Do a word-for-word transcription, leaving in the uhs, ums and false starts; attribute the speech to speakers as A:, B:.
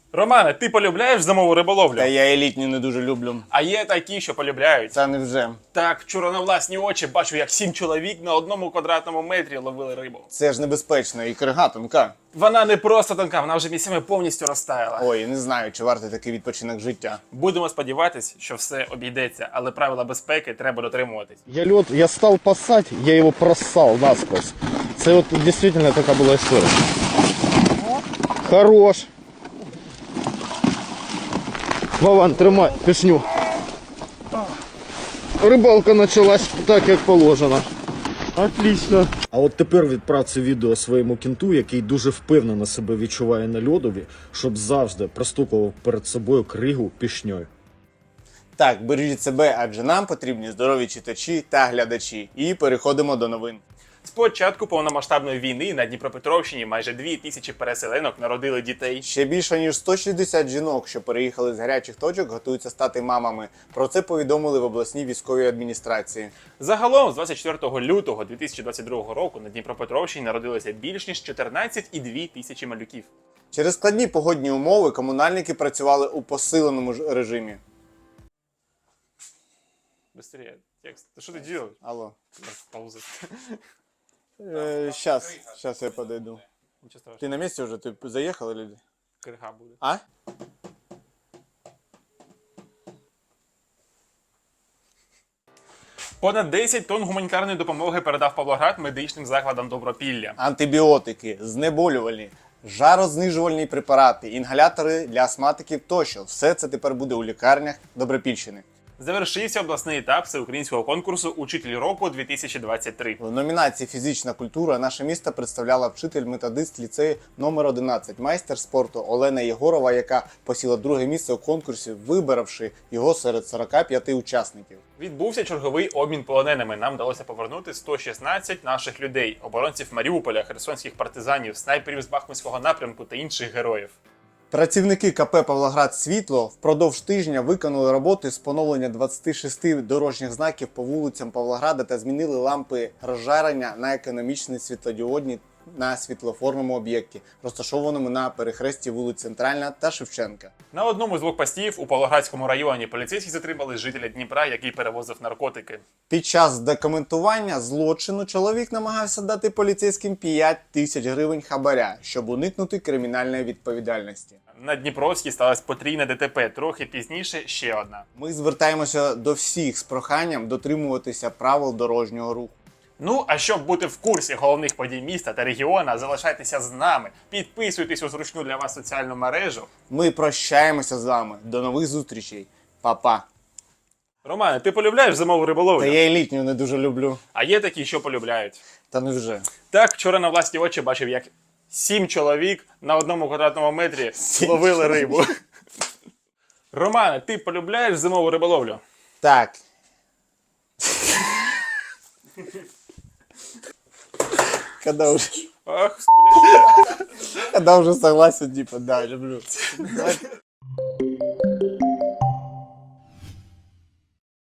A: Романе, ти полюбляєш зимову риболовлю?
B: Та я елітню не дуже люблю.
A: А є такі, що полюбляють.
B: Це не вже.
A: Так, вчора на власні очі бачу, як сім чоловік на одному квадратному метрі ловили рибу.
B: Це ж небезпечно і крига тонка.
A: Вона не просто тонка, вона вже місцями повністю розтаяла.
B: Ой, не знаю, чи вартий такий відпочинок життя.
A: Будемо сподіватись, що все обійдеться, але правила безпеки треба дотримуватись.
C: Я лед, я стал пасать, я его проссал насквозь. Це от действительно така була історія. Хорош. Вован, тримай, пішню. Рибалка почалась так, як положено. Отлично. А от тепер відправ це відео своєму кінту, який дуже впевнено себе відчуває на льодові, щоб завжди простукував перед собою кригу пішньою.
B: Так, бережіть себе, адже нам потрібні здорові читачі та глядачі. І переходимо до новин.
A: З початку повномасштабної війни на Дніпропетровщині майже дві тисячі переселенок народили дітей.
B: Ще більше ніж сто шістдесят жінок, що переїхали з гарячих точок, готуються стати мамами. Про це повідомили в обласній військовій адміністрації.
A: Загалом, з двадцять четвертого лютого дві тисячі двадцять другого року на Дніпропетровщині народилося більш ніж чотирнадцять цілих дві тисячі малюків.
B: Через складні погодні умови комунальники працювали у посиленому ж режимі.
A: Быстрее, текст. Ти що ти робиш?
B: Алло.
A: Пауза.
B: Е, щас, щас я подойду.
A: Нічого страшного.
B: Ти на місці вже? Ти заїхали люди?
A: Крига буде.
B: А?
A: Понад десять тонн гуманітарної допомоги передав Павлоград медичним закладам Добропілля.
B: Антибіотики, знеболювальні, жарознижувальні препарати, інгалятори для астматиків тощо. Все це тепер буде у лікарнях Добропільщини.
A: Завершився обласний етап всеукраїнського конкурсу «Учитель року дві тисячі двадцять три».
B: В номінації «Фізична культура» наше місто представляла вчитель-методист ліцею номер одинадцять, майстер спорту Олена Єгорова, яка посіла друге місце у конкурсі, виборовши його серед сорока п'яти учасників.
A: Відбувся черговий обмін полоненими. Нам вдалося повернути сто шістнадцять наших людей – оборонців Маріуполя, херсонських партизанів, снайперів з Бахмутського напрямку та інших героїв.
B: Працівники ка пе «Павлоград Світло» впродовж тижня виконали роботи з поновлення двадцяти шести дорожніх знаків по вулицям Павлограда та змінили лампи розжарення на економічні світлодіодні на світлофорному об'єкті, розташованому на перехресті вулиць Центральна та Шевченка.
A: На одному з блокпостів у Павлоградському районі поліцейські затримали жителя Дніпра, який перевозив наркотики.
B: Під час документування злочину чоловік намагався дати поліцейським п'ять тисяч гривень хабаря, щоб уникнути кримінальної відповідальності.
A: На Дніпровській сталося потрійне де те пе, трохи пізніше ще одна.
B: Ми звертаємося до всіх з проханням дотримуватися правил дорожнього руху.
A: Ну, а щоб бути в курсі головних подій міста та регіона, залишайтеся з нами, підписуйтесь у зручну для вас соціальну мережу.
B: Ми прощаємося з вами. До нових зустрічей. Па-па.
A: Романе, ти полюбляєш зимову риболовлю?
B: Та я елітню не дуже люблю.
A: А є такі, що полюбляють.
B: Та не вже.
A: Так, вчора на власні очі бачив, як сім чоловік на одному квадратному метрі
B: Сім
A: ловили
B: чоловік.
A: рибу. Романе, ти полюбляєш зимову риболовлю?
B: Так. Когда уже,
A: Ах, блядь.
B: когда уже согласен, типа, да, люблю.